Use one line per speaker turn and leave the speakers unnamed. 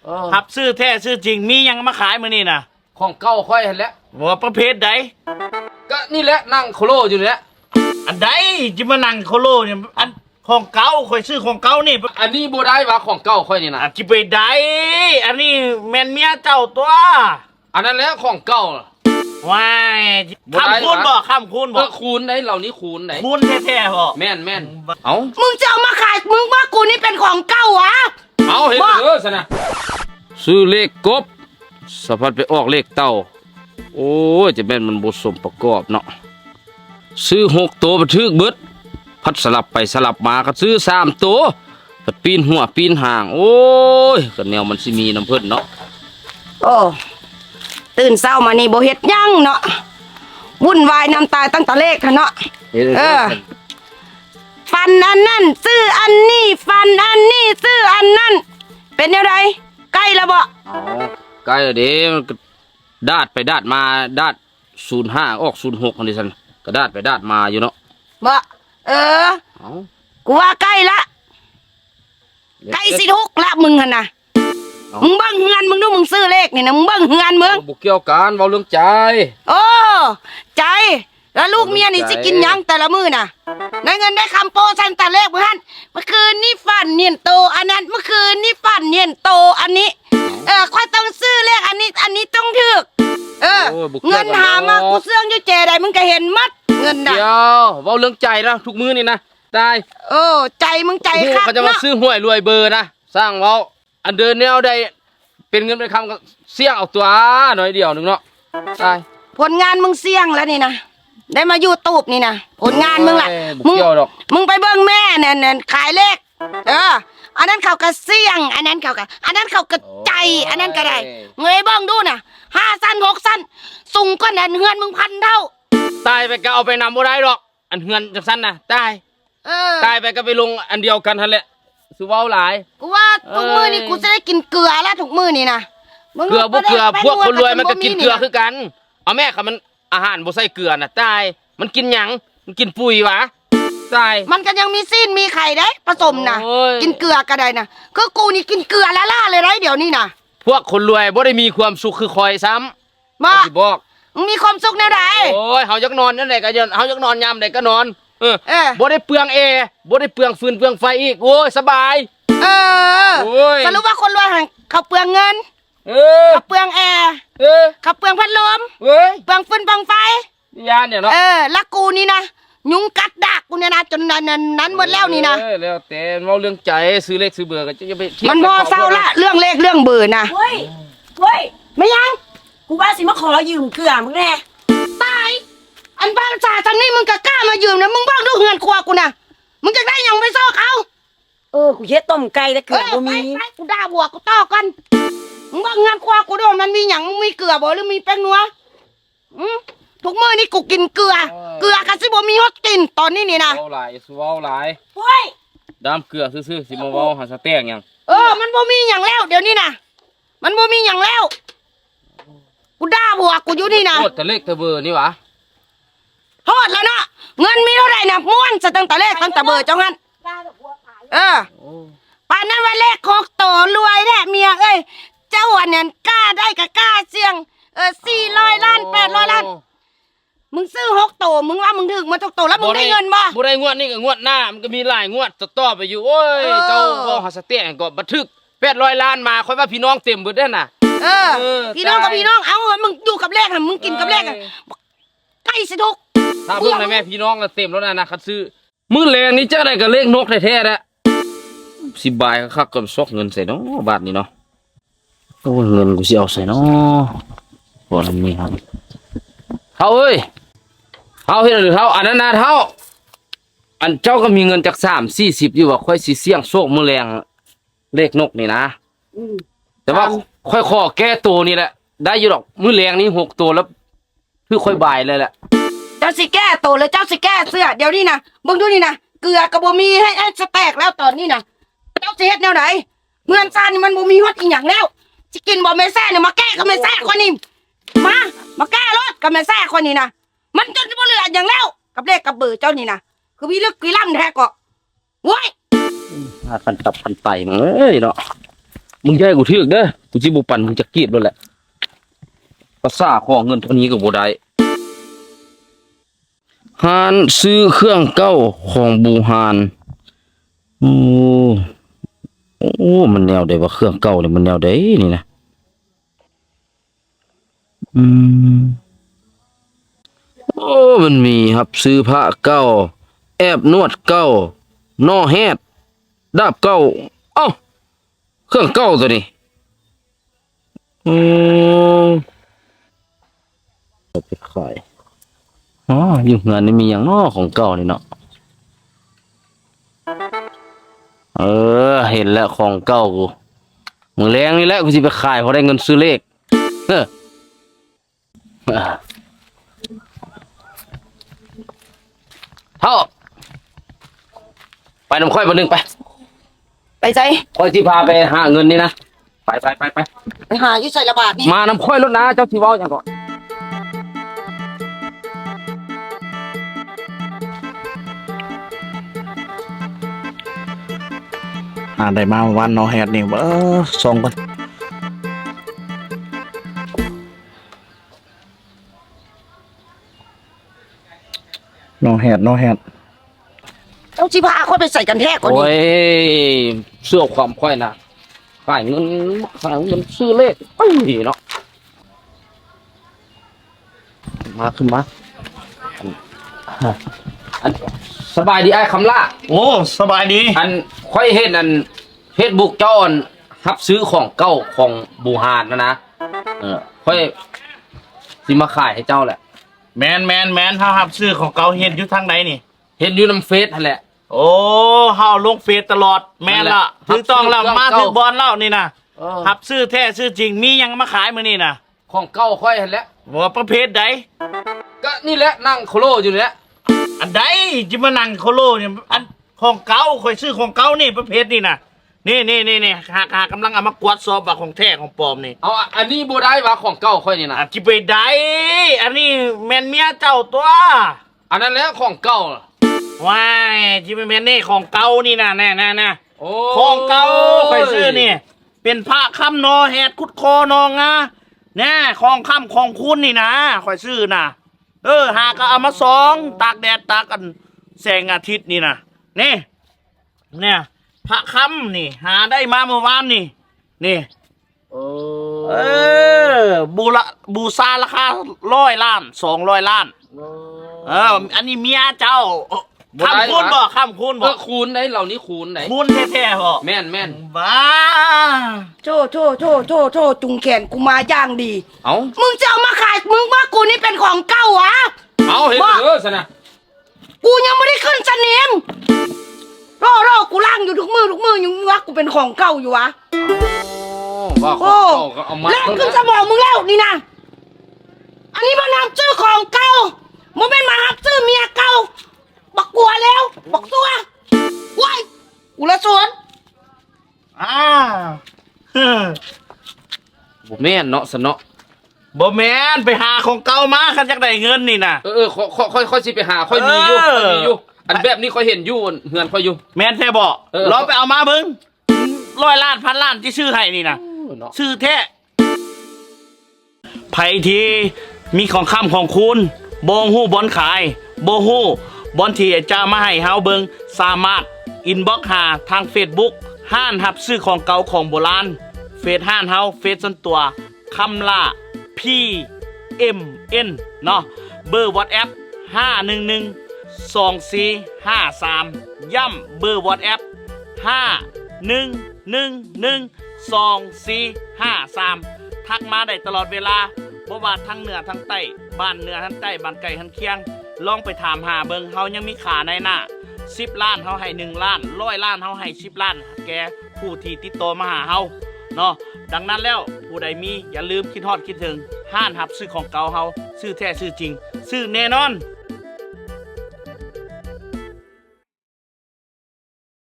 หับซื้อแท้ซื้อจริงมียังมาขายมื้อนี้น่ะ
ของเก่าค่อยเห็นแล้ว
ว่าประเภทใด
ก็นี่แหละนั่งโคโลอยู่เนี่ย
อันใดจิมานั่งโคโลเนี่ยอันของเก่าค่อยซื้อของเก่านี่
อันนี้บ่ได้ว่าของเก่าค่อยนี่นะ
จิไปได้อันนี้แม่นเมียเจ้าตัว
อันนั้นแหละของเก่า
ว้ายคำคูณบ่คำคูณบ่
คูณไหนเหล่านี้คูณไหน
คูณแท้ๆบ่
แม่นเอ้า
มึงจะเอามาขายมึงว่ากูนี่เป็นของเก่าวะ
เอาเห็นซะนะซื้อเลขกบสะพัดไปออกเลขเต่าโอ้ยจะแม่นมันบ่สมประกอบเนาะซื้อ6ตัวบันทึกเบิดพัดสลับไปสลับมาก็ซื้อ3ตัวก็ปีนหัวปีนหางโอ้ยก็แนวมันสิมีน้ำเพิ่นเนาะ
โอ้ตื่นเช้ามานี่บ่เฮ็ดหยังเนาะวุ่นวายน้ำตายตั้งแต่เลขเนาะฟันอันนั้นซื้ออันนี้ฟันอันนี้ซื้ออันนั้นเป็นยังไงใกล้แล้วบ่
ใกล้แล้วเด้มันดาดไปดาดมาดาด05ออก06อันนี้ซั่นก็ดาดไปดาดมาอยู่เนาะ
บ่กูว่าใกล้ละใกล้สิทุกละมึงหั่นน่ะมึงเบิ่งเฮือนมึงดูมึงซื้อเลขนี่นะมึงเบิ่งเฮือนมึง
บ่เกี่ยวกันเว้าเรื่องใจ
โอ้ใจแล้วลูกเมียนี่สิกินยังแต่ละมื้อน่ะได้เงินได้คำโปรซันแต่เลขมื้อหั่นเมื่อคืนนี่ฝันเนียนโตอันนั้นเมื่อคืนนี่ฝันเนียนโตอันนี้ค่อยต้องซื้อเลขอันนี้ต้องถูกเงินหามากูเสื่องอยู่เจใดมึงก็เห็นมัดเงินน่ะ
เดี๋ยวเว้าเรื่องใจนะทุกมื้อนี่นะตาย
ใจมึงใจคัก
เขาจะมาซื้อหวยรวยเบอร์นะสร้างเว้าอันเดินแนวใดเป็นเงินเป็นคำก็เสี่ยงเอาตัวหน่อยเดียวนึงเนาะตาย
ผลงานมึงเสี่ยงแล้วนี่นะได้มาอยู่ตูบนี่นะผลงานมึงล่ะมึงไปเบิ่งแม่เนี่ยขายเลขอันนั้นเขาก็เสี่ยงอันนั้นเขาก็ใจอันนั้นก็ได้เงยเบิ่งดูน่ะ5 สั้น6 สั้นสูงกว่านั้นเฮือนมึง1,000 เท่า
ตายไปก็เอาไปนำบ่ได้หรอกอันเฮือนจังซั่นน่ะตายไปก็ไปลงอันเดียวกันหั่นแหละสิเว้าหลาย
กูว่าทุกมื้อนี่กูจะได้กินเกลือแล้วทุกมื้อนี่นะ
เกลือบ่เกลือพวกคนรวยมันก็กินเกลือคือกันเอาแม่ค่ะมันอาหารบ่ใส่เกลือน่ะตายมันกินหยังมันกินปุ๋ยวะตาย
มันก็ยังมีซีนมีไข่ได้ผสมน่ะกินเกลือก็ได้น่ะคือกูนี่กินเกลือละล่าเลยได้เดี๋ยวนี้น่ะ
พวกคนรวยบ่ได้มีความสุขคือคอยซ้ำ
บ่สิบอกมึงมีความสุขแนวใด
โอ้ยเฮาอยากนอนนั่นแหละก็เฮาอยากนอนยามใดก็นอนบ่ได้เปลืองแอร์บ่ได้เปลืองฟืนเปลืองไฟอีกโอ้ยสบาย
สรุปว่าคนรวยเขาเปลืองเงินเขาเปลืองแอร์เขาเปลืองพัดลมเปลืองฟืนเปลืองไฟ
ยานเนี่ยเนาะ
แล้วกูนี่นะยุงกัดดักกูเนี่ยนะจนนั้นหมดแล้วนี่นะ
แล้วแต่เว้าเรื่องใจซื้อเลขซื้อเบอร์ก็จะไป
มันพอเศร้าละเรื่องเลขเรื่องเบอร์นะ
เฮ้ยไม่ยังกูว่าสิมาขอยืมเกลือมึงแน่
ตายอันบ้านจ่าทางนี้มึงก็กล้ามายืมนะมึงบ้างดูเฮือนครัวกูนะมึงจะได้ยังไปซ่อเขา
กูเฮ็ดต้มไก่แต่เกลือบ่มี
กูด่าบวกกูต่อกันมึงบ้างเฮือนครัวกูด้วยมันมีหยังมึงมีเกลือบ่หรือมีแป้งนัวทุกมื้อนี่กูกินเกลือกันสิบ่มีฮอดกินตอนนี้นี่นะ
เว้าหลาย
เฮ้ย
ดามเกลือซื่อๆสิมาเว้าหาสแต็กหยัง
มันบ่มีหยังแล้วเดี๋ยวนี้นะมันบ่มีหยังแล้วกูด่าบวกกูอยู่นี่นะ
โทษแต่เลขแต่เบอร์นี่หวะ
โทษแล้วนะเงินมีเท่าไหร่นะม้วนจะตั้งแต่เลขตั้งแต่เบอร์เจ้างั้นป่านนั้นว่าเลข6 โตรวยแท้เมียเจ้าอันนั้นกล้าได้กับกล้าเสี่ยง400 ล้าน800 ล้านมึงซื้อ6 โตมึงว่ามึงถึงมาทุกโตแล้วมึงได้เงินบ่
ได้งวดนี่ก็งวดหน้ามันก็มีหลายงวดต่อไปอยู่โอ้ยเจ้าบ่หาสแต็กก็บันทึก800 ล้านมาค่อยว่าพี่น้องเต็มเบิดเด้อน่ะ
พี่น้องกับพี่น้องเอามึงอยู่กับเลขมึงกินกับเลขใกล้สิทุก
ถ้าเพิ่งแม่พี่น้องก็เต็มแล้วนะคัดซื้อมื้อแรงนี้เจ้าได้กับเลขนกแท้ๆแหละ10 บาทคักก็ซอกเงินใส่เนาะบาทนี้เนาะโอ้เงินกูสิเอาใส่เนาะบ่มีครับเฮาเอ้ยเฮาเฮ็ดหรือเฮาอันนั้นนะเฮาอันเจ้าก็มีเงินจัก30-40อยู่ว่าค่อยสิเสี่ยงโชคมื้อแรงเลขนกนี่นะแต่ว่าค่อยขอแก้ตัวนี่แหละได้อยู่ดอกมื้อแรงนี้6 ตัวแล้วคือค่อยบ่ายเลยแหละ
เจ้าสิแก้ตัวเลยเจ้าสิแก้เสื้อเดี๋ยวนี้นะมึงดูนี่นะเกลือกับบ่มีให้สแต็กแล้วตอนนี้นะเจ้าสิเฮ็ดแนวไหนเงินซ่านี่มันบ่มีฮอดอีหยังแล้วสิกินบ่แม่แซ่เนี่ยมาแก้กับแม่แซ่คนนี้มาแก้รถกับแม่แซ่คนนี้นะมันจนบ่เหลืออย่างแล้วกับเลขกับเบอร์เจ้านี่นะคือพี่ลึกพี่ล่ำแท้ก็โว้ย
พันตับพันไตมึงเอ้ยเนาะมึงอย่าให้กูถึกเด้อกูสิบ่ปั่นมึงจะกรีดแล้วแหละภาษาของเงินเท่านี้ก็บ่ได้หานซื้อเครื่องเก้าของบูหานโอ้มันแนวใดว่าเครื่องเก่านี่มันแนวใดนี่นะโอ้มันมีครับซื้อพระเก้าแอบนวดเก้านอแฮดดาบเก้าเอ้าเครื่องเก้าตัวนี้เอาไปขายอ๋ออยู่งานนี่มีอย่างนอของเก่านี่เนาะเห็นแล้วของเก่ากูมึงแรงนี่แหละกูสิไปขายเพราะได้เงินซื้อเลขเท่าไปน้ำค่อยมาหนึ่งไป
ไปใจ
ค่อยที่พาไปหาเงินนี่นะไป
ไปหาอยู่ใส่ระบาดนี่
มาน้ำค่อยรถนะเจ้าที่เว้าอย่างก่อน
ได้มาวันนอแฮดนี่ส่งกันนอแฮด
เจ้าสิพาค่อยไปใส่กันแท้ก่อน
โอ้
นี่
ยเสื้อความค่อยนะขายเงินซื้อเลขไอ้เนาะมาขึ้นมาอันสบายดีไอ้คำล่า
โอ้สบายดี
อันค่อยเห็นอันเฟซบุ๊กเจ้าอันรับซื้อของเก่าของบูฮานนะค่อยสิมาขายให้เจ้าแหละ
แมนเฮาหับซื้อของเก่าเห็นอยู่ทางไหนนี่
เห็นอยู่น้ำเฟซนั่นแหละ
โอ้เฮาลงเฟซตลอดแม่นละ
นั่นแหละ
ถึงต้องแล้ว
หับซื้อ
มา
เก่า
ถึงบอลแล้วนี่นะ
เออ
หับซื้อแท้ซื้อจริงมีหยังมาขายมื้อนี่นะ
ของเก่าค่อยเห็นแล้ว
ว่าประเภทใด
ก็นี่แหละนั่งโคโลอยู่นี่แหละ
อันใดจิมานั่งโคโลเนี่ยอันของเก่าค่อยซื้อของเก่านี่ประเภทนี่นะนี่หากำลังเอามากวดสอบว่าของแท้ของปลอมนี่
เอาอันนี้บ่ได้ว่าของเก่าค่อยนี่นะ
อ่ะจิไปใดอันนี้แม่นเมียเจ้าตัว
อันนั้นแหละของเก่า
ว้ายจิไปแม่นนี่ของเก่านี่นะแน่
โอ้
ของเก่าค่อยซื้อนี่เป็นพระคำนอแหดคุดคอนองะแน่ของคำของคุณนี่นะค่อยซื้อนะหาก็เอามาสองตากแดดตากกันแสงอาทิตย์นี่นะนี่เนี่ยพระคำนี่หาได้มาเมื่อวานนี่
โอ้
บูชาราคา100 ล้าน200 ล้านอันนี้เมียเจ้าคำคูณบ่คำคูณบ่
คูณได้เหล่านี้คูณไหน
คูณแท้ๆบ่
แม่น
บ้า
โธ่จุงแขนกูมาย่างดี
เอา
มึงจะเอามาขายมึงว่ากูนี่เป็นของเก่าวะ
เอาเห็นเด้อสินะ
กูยังไม่ได้ขึ้นสนิมรอกูล่างอยู่ทุกมือยังว่ากูเป็นของเก่าอยู่วะ
ว่าของ
โอ้
เก่าก็เอามา
แล่นขึ้นสมองมึงแล้วนี่นะอันนี้มานำชื่อของเก่ามึงเป็นมาหับชื่อเมียเก่าบักกลัวแล้วบักตัวว้ายกูละสวน
บ่แม่นเนาะสนเนาะ
บ่แม่นไปหาของเก่ามาคันจักได้เงินนี่นะ
ค่อยสิไปหาค่อยมีอยู่อันแบบนี้ค่อยเห็นอยู่เฮือนค่อยอยู่
แม่นแท้บ่ลองไปเอามาเบิ่ง100 ล้าน1,000 ล้านที่ซื้อให้นี่นะ
เนาะ
ซื้อแท้ไผที่มีของค้ำของคุณบ่ฮู้บอนขายบ่ฮู้บอนที่จะมาให้เฮาเบิ่งสามารถอินบ็อกซ์หาทาง Facebook ห้านรับซื้อของเก่าของโบราณเฟซห้านเฮาเฟซส่วนตัวคำล่า PMN เนาะเบอร์ WhatsApp 5112453ย้ำเบอร์ WhatsApp 511122453ทักมาได้ตลอดเวลาบ่ว่าทั้งเหนือทั้งใต้บ้านเหนือทั้งใต้บ้านไก่ทั้งเคียงลองไปถามหาเบิงเฮายังมีขาในหน้า10 ล้านเฮาให้1 ล้าน100 ล้านเฮาให้10 ล้านแกผู้ที่ติดต่อมาหาเฮาเนาะดังนั้นแล้วผู้ใดมีอย่าลืมคิดฮอดคิดถึงห้านหับซื้อของเก่าเฮาซื้อแท้ซื้อจริงซื้อแน่นอน